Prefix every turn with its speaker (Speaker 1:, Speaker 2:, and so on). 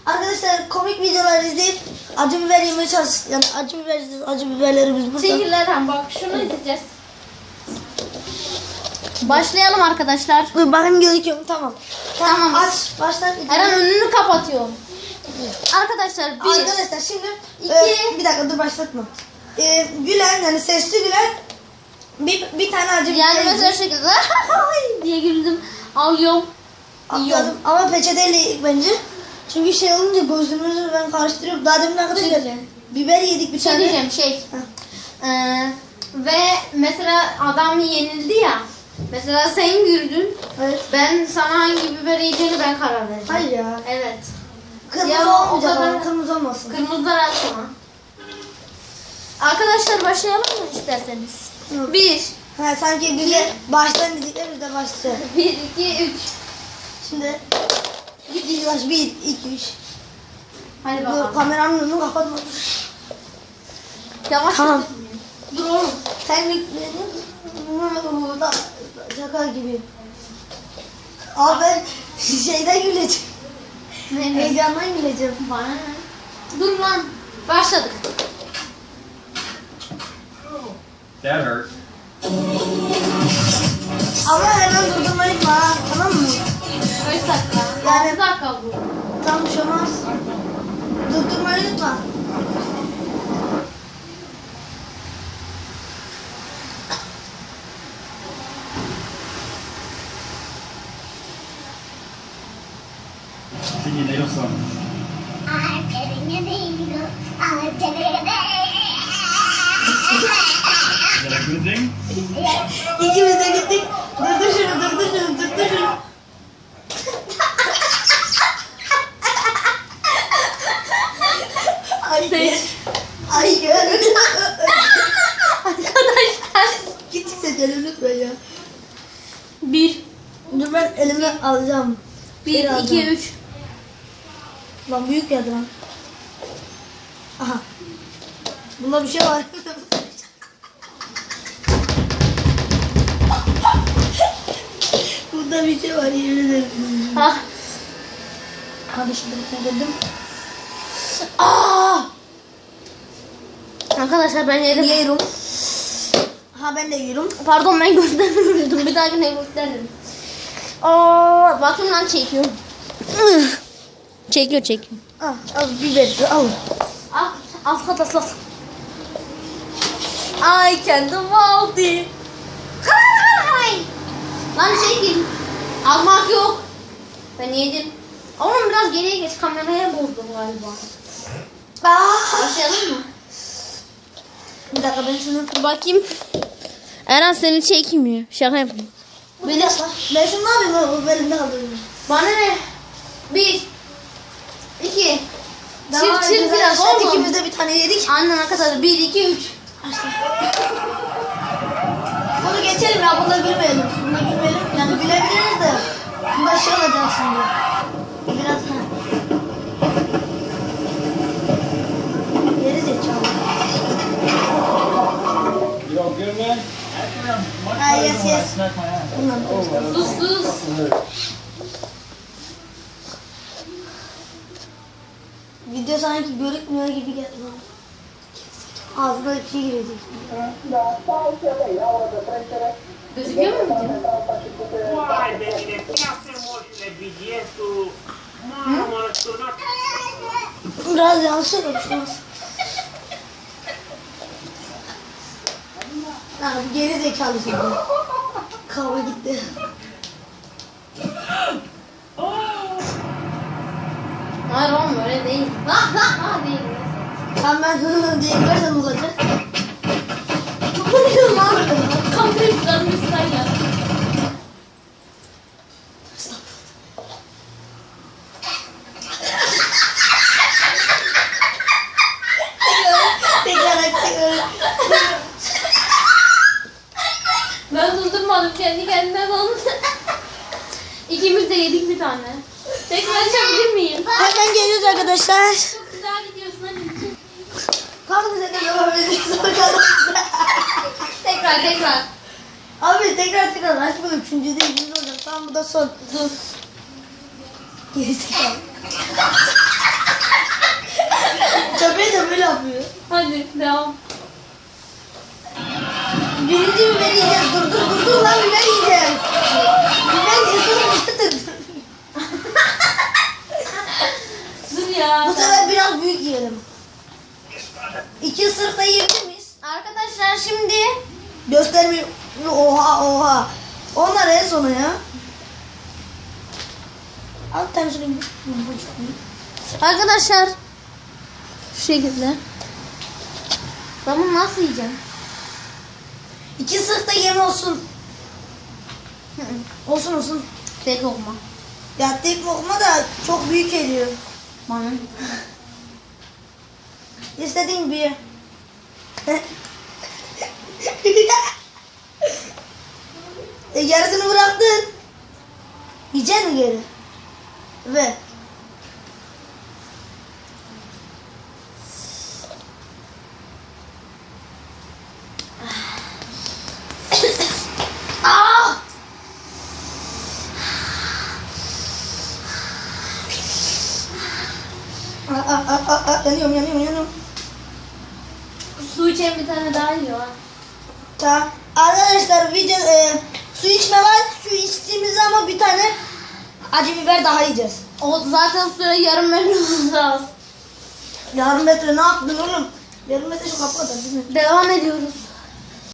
Speaker 1: Arkadaşlar komik videolar izleyip acı biber yemeye çalıştık. Yani acı biberlerimiz burada.
Speaker 2: Çekillerden bak şunu izleyeceğiz. Başlayalım arkadaşlar.
Speaker 1: Dur bakayım gözüküyor mu? Tamam.
Speaker 2: Tamam.
Speaker 1: Aç. Başla.
Speaker 2: Eren önünü kapatıyor. Arkadaşlar
Speaker 1: Arkadaşlar şimdi
Speaker 2: iki.
Speaker 1: bir dakika dur başlatma. Gülen yani sesli gülen bir tane acı biber
Speaker 2: Yani mesela
Speaker 1: yiyecek.
Speaker 2: şekilde diye güldüm. Alıyorum.
Speaker 1: Atladım. Ama peçeteyle yedik bence. Çünkü şey olunca gözümüzü ben karıştırıyorum. Daha demin arkadaşlar biber yedik bir
Speaker 2: Bir şey
Speaker 1: tane.
Speaker 2: diyeceğim ve mesela adam yenildi ya. Mesela sen güldün.
Speaker 1: Evet.
Speaker 2: Ben sana hangi biber yiyeceğini ben karar vereceğim.
Speaker 1: Hayır ya.
Speaker 2: Evet.
Speaker 1: Kırmızı
Speaker 2: Ya,
Speaker 1: olmayacak
Speaker 2: o kadar-
Speaker 1: ama kırmızı olmasın.
Speaker 2: Kırmızılar atma. Arkadaşlar başlayalım mı isterseniz?
Speaker 1: Hı.
Speaker 2: 1
Speaker 1: Ha sanki bize baştan dedikler biz de başlayalım.
Speaker 2: 1 2 3.
Speaker 1: Şimdi git baş 1 2 3.
Speaker 2: Hadi
Speaker 1: Dur
Speaker 2: bakalım.
Speaker 1: kameranın önünü kapatma.
Speaker 2: Yavaş.
Speaker 1: Tamam.
Speaker 2: Dur oğlum.
Speaker 1: Sen bekledin. Şaka gibi. Abi ben şeyden güleceğim.
Speaker 2: Ne?
Speaker 1: Heyecandan güleceğim.
Speaker 2: Bana ne? Dur lan. Başladık.
Speaker 3: That hurt.
Speaker 1: Ama hemen durdurmayı ha, tamam mı?
Speaker 2: Kaç dakika?
Speaker 1: Yani-
Speaker 2: 6 dakika bu.
Speaker 1: Tam bir şey olmaz. Durdurmayı unutma.
Speaker 3: Sing your native song.
Speaker 4: I'm telling you, Nino. I'm telling you,
Speaker 3: Is that a good thing?
Speaker 1: İkimiz de gittik. Durdur şunu. Ay gör. Ay gör.
Speaker 2: Arkadaşlar.
Speaker 1: Git seçelim lütfen ya.
Speaker 2: 1
Speaker 1: Dur ben elime alacağım.
Speaker 2: 1
Speaker 1: Şey
Speaker 2: 2
Speaker 1: alacağım.
Speaker 2: 3.
Speaker 1: Lan büyük geldi lan. Aha. Bunda bir şey var. Bunda bir şey var yemin ederim.
Speaker 2: Ah.
Speaker 1: Hadi şimdi dedim.
Speaker 2: Arkadaşlar ben yedim.
Speaker 1: Yiyorum. Ha ben de yiyorum.
Speaker 2: Pardon ben göstermemiştim. Bir dahakine gösteririm. Bakın lan çekiyorum. Çekiyor.
Speaker 1: Al biber al.
Speaker 2: Arkadaşlar. I can do multi. Hay. Lan çekil. Almak yok. Ben yedim. Oğlum biraz geriye geç. Kameraya bozdum galiba. Başlayalım mı?
Speaker 1: Bir dakika ben şunu.
Speaker 2: Dur bakayım. Eren seni çekmiyor. Şaka yapayım.
Speaker 1: Bir dakika. Ben şunu ne yapayım lan? O elimde kaldı.
Speaker 2: Bana ne? 1 2
Speaker 1: Daha
Speaker 2: Çift
Speaker 1: güzel
Speaker 2: biraz
Speaker 1: şey,
Speaker 2: oğlum.
Speaker 1: İkimiz de bir tane yedik.
Speaker 2: Annen arkadaşlar 1 2 3.
Speaker 1: Bunu geçelim ya. Bunda gülmeyelim. Bunda gülmeyelim. Yani gülebiliriz de. Bunda şey olacak şimdi. Biraz ha. Geri zekalı.
Speaker 3: You all good, man? Actually, I'm much
Speaker 1: Ah,
Speaker 3: better
Speaker 1: yes,
Speaker 3: than when I
Speaker 1: yes.
Speaker 3: smacked my ass.
Speaker 1: Bundan.
Speaker 2: Sus.
Speaker 1: Video sanki görükmüyor gibi geldi bana. Ağzına bir şey girecek.
Speaker 2: Gözüküyor mu video?
Speaker 5: Guarda, ne piace molto biglietto. Mamma, sono
Speaker 1: Biraz yanlış olmuş. Ha bu geri zekalı şimdi. Kavga gitti.
Speaker 2: Hayır oğlum öyle değil. Değil.
Speaker 1: Sen ben diye girersen olacak.
Speaker 2: Bu ne lan? Kamerayı üstten ya.
Speaker 1: Tekrar.
Speaker 2: Ben durdurmadım kendi kendime oldu. İkimiz de yedik bir tane. Tekrar açabilir miyim?
Speaker 1: Hemen geliyoruz arkadaşlar.
Speaker 2: Çok güzel gidiyorsun hadi.
Speaker 1: Kalk bize de devam edelim.
Speaker 2: Tekrar.
Speaker 1: Abi tekrar açmadım. Üçüncü de ikinci olacak. Tamam bu da son. Dur. Gerisi kaldı.
Speaker 2: Devam.
Speaker 1: Birinci biber yiyeceğiz. Dur lan biber yiyeceğiz. Biber yiyeceğiz.
Speaker 2: Dur ya.
Speaker 1: Bu sefer biraz büyük yiyelim. 2 ısırık da yiyebilir miyiz?
Speaker 2: Arkadaşlar şimdi
Speaker 1: Göstermiyor. Oha. Onlar en sona ya. Al tane şöyle bir.
Speaker 2: arkadaşlar şu şekilde. Ben bunu nasıl yiyeceğim?
Speaker 1: 2 ısırık da yeme olsun. Olsun.
Speaker 2: Tek lokma.
Speaker 1: Ya tek lokma da çok büyük geliyor.
Speaker 2: Bana.
Speaker 1: İstediğin bir. Yarısını bıraktın. Yiyecek mi geri? Ver. Ah! Yanıyorum.
Speaker 2: Su içen bir tane daha yiyor ha.
Speaker 1: Tamam. Arkadaşlar video su içme var. Su içtiğimizde ama bir tane acı biber daha yiyeceğiz.
Speaker 2: O zaten suya yarım metre lazım.
Speaker 1: Yarım metre ne yaptın oğlum? Yarım metre şu kapı kadar değil mi?
Speaker 2: Devam ediyoruz.